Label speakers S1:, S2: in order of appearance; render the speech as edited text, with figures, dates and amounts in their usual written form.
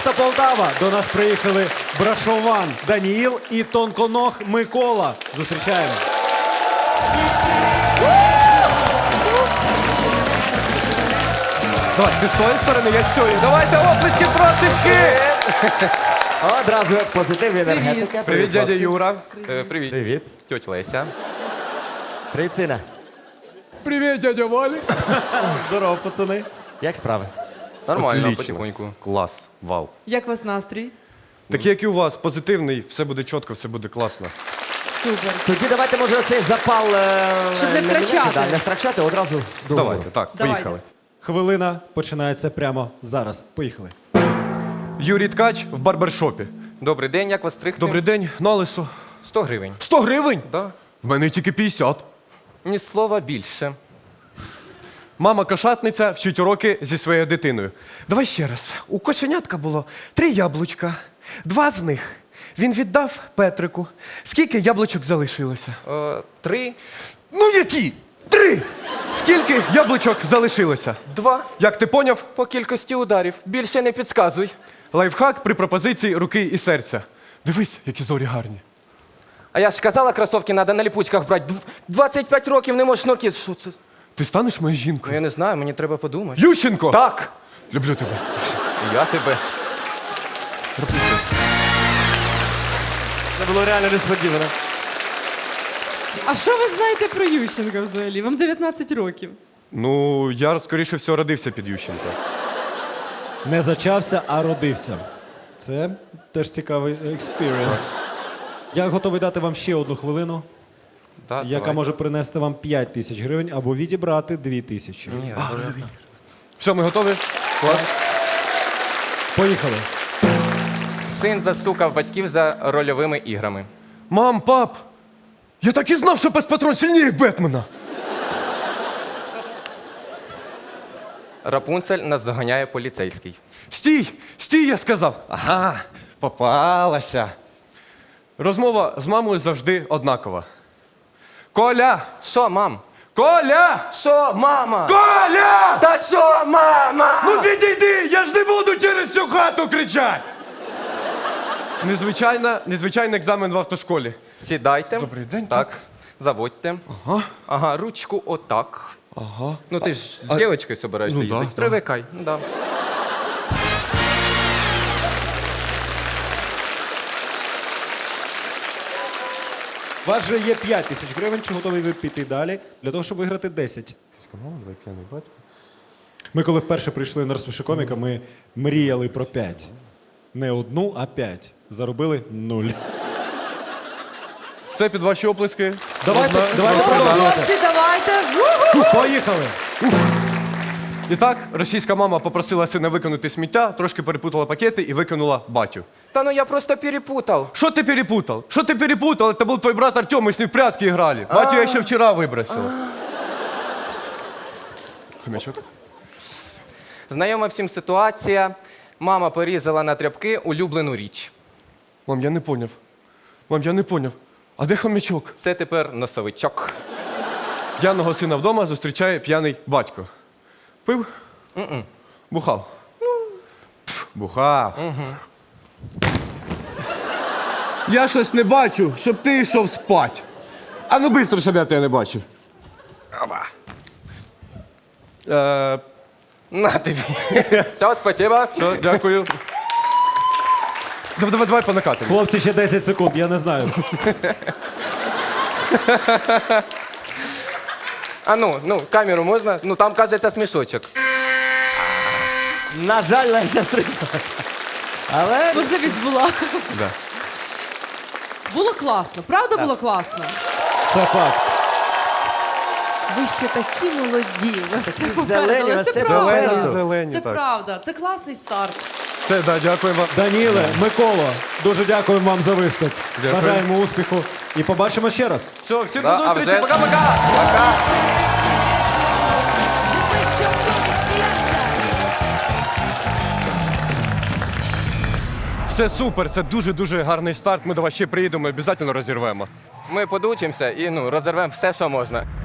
S1: міста Полтава. До нас приїхали Брашован Даніїл і Тонконог Микола. Зустрічаємо.
S2: Давай, ти з тої сторони, я з цієї. Давайте оплески трошечки!
S3: Одразу позитив і енергетика.
S2: Привіт, дядя
S3: хлопці.
S2: Юра.
S4: Привіт.
S3: Привіт.
S4: Тьоть Леся.
S3: Привіт, сина.
S2: Привіт, дядя Валі.
S1: Здорово, пацани.
S3: Як справи?
S4: Нормально,
S2: Отлично.
S4: потихоньку.
S2: Клас, вау.
S5: Як у вас настрій?
S2: Такий, як і у вас, позитивний, все буде чітко, все буде класно.
S5: Супер.
S3: Тоді давайте, може, оцей запал...
S5: Щоб не втрачати.
S3: Да, не втрачати, одразу до
S2: Давайте, так,
S5: Давайте.
S2: поїхали.
S1: Хвилина починається прямо зараз. Поїхали.
S2: Юрій Ткач в барбершопі.
S4: Добрий день, як вас стригти?
S2: Добрий день, на лисо.
S4: 100 гривень.
S2: 100 гривень?
S4: Да.
S2: В мене тільки 50.
S4: Ні слова більше.
S2: Мама кошатниця вчить уроки зі своєю дитиною. Давай ще раз. У кошенятка було 3 яблучка. 2 з них він віддав Петрику. Скільки яблучок залишилося?
S4: 3,
S2: Ну які? 3! Скільки яблучок залишилося?
S4: 2
S2: Як ти поняв?
S4: по кількості ударів. Більше не підказуй.
S2: Лайфхак при пропозиції руки і серця. Дивись, які зорі гарні.
S4: А я ж казала, кросовки треба на ліпучках брати. 25 років не можеш шнурки. Що це?
S2: Ти станеш моєю
S4: Ну
S2: жінкою?
S4: я не знаю, мені треба подумати.
S2: Ющенко!
S4: Так!
S2: Люблю тебе.
S4: Я тебе.
S3: Це було реально несподівано.
S5: А що ви знаєте про Ющенка взагалі? Вам 19 років.
S2: Ну, я, скоріше всього, родився під Ющенко.
S1: Не зачався, а родився. Це теж цікавий експірієнс. Я готовий дати вам ще одну хвилину,
S4: Да,
S1: яка
S4: давай.
S1: може принести вам 5 тисяч гривень або відібрати 2 тисячі.
S4: Ні, добре.
S2: Все, ми готові? Клас.
S1: Поїхали.
S4: Син застукав батьків за рольовими іграми.
S2: Мам, пап! Я так і знав, що пес Патрон сильніє Бетмена.
S4: Рапунцель наздоганяє поліцейський.
S2: Стій! Стій, я сказав. Ага, попалася. Розмова з мамою завжди однакова. Коля!
S4: Що, мам?
S2: Коля!
S4: Що, мама?
S2: Коля!
S4: Та що, мама?
S2: Ну підійди, я ж не буду через всю хату кричати. Незвичайний екзамен в автошколі.
S4: Сідайте.
S2: Добрий день,
S4: Так. Заводьте.
S2: Ага.
S4: Ага, ручку отак.
S2: Ага.
S4: Ну ти ж з дівчинкою собираєшся
S2: ну да,
S4: їздити.
S2: да.
S4: Привикай. Ну, да.
S1: У вас же є 5 тисяч гривень, чи готові ви піти далі для того, щоб виграти 10? Ми коли вперше прийшли на розпиши коміка, ми мріяли про 5. Не одну, а 5. Заробили 0.
S2: Все під ваші оплески.
S1: Давайте,
S2: Можна
S1: давайте
S2: розпочинати.
S1: продовжувати.
S5: Хлопці, давайте. Уху!
S1: Поїхали!
S2: І так, російська мама попросила сина викинути сміття, трошки перепутала пакети і викинула батю.
S4: Та ну я просто перепутав.
S2: Что ты перепутал? Что ты перепутал? Это был твой брат Артем, мы с ним в прятки играли. Батю я еще вчера выбросила. Хомячок.
S4: Знайома всім ситуація. Мама порізала на тряпки улюблену річ.
S2: Мам, я не поняв. Мам, я не поняв. А де хомячок?
S4: Це тепер носовичок.
S2: П'яного сина вдома зустрічає п'яний батько. Пив? Бухав. Пф, бухав. Я щось не бачу, щоб ти йшов спать. А ну швидко, щоб я тебе не бачив.
S4: На тобі. Все, спасибо.
S2: Все, дякую. Давай по накатанню.
S1: Хлопці, ще 10 секунд, я не знаю.
S4: А ну, камеру можна? Ну там, кажеться, смішочок.
S3: На жаль, Леся стрималася. Але
S5: Можливість була.
S2: Да.
S5: Було класно, правда було класно?
S1: Це факт.
S5: Ви ще такі молоді. У вас все
S3: Такі
S5: попереду.
S3: зелені, у
S5: Але
S3: вас
S5: це
S3: все
S5: правда.
S3: попереду.
S2: Зелені,
S5: Це
S2: так.
S5: правда. Це класний старт.
S2: Все, да, дякую вам.
S1: Даніле, Микола, дуже дякуємо вам за виступ.
S2: Дякую.
S1: Бажаємо успіху і побачимо ще раз.
S2: Все, всім
S4: Да,
S2: до
S4: а
S2: зустрічі.
S4: вже-
S2: Пока-пока.
S4: Пока.
S2: Все супер, це дуже-дуже гарний старт. Ми до вас ще приїдемо, обов'язково розірвемо.
S4: Ми подучимося і розірвемо все, що можна.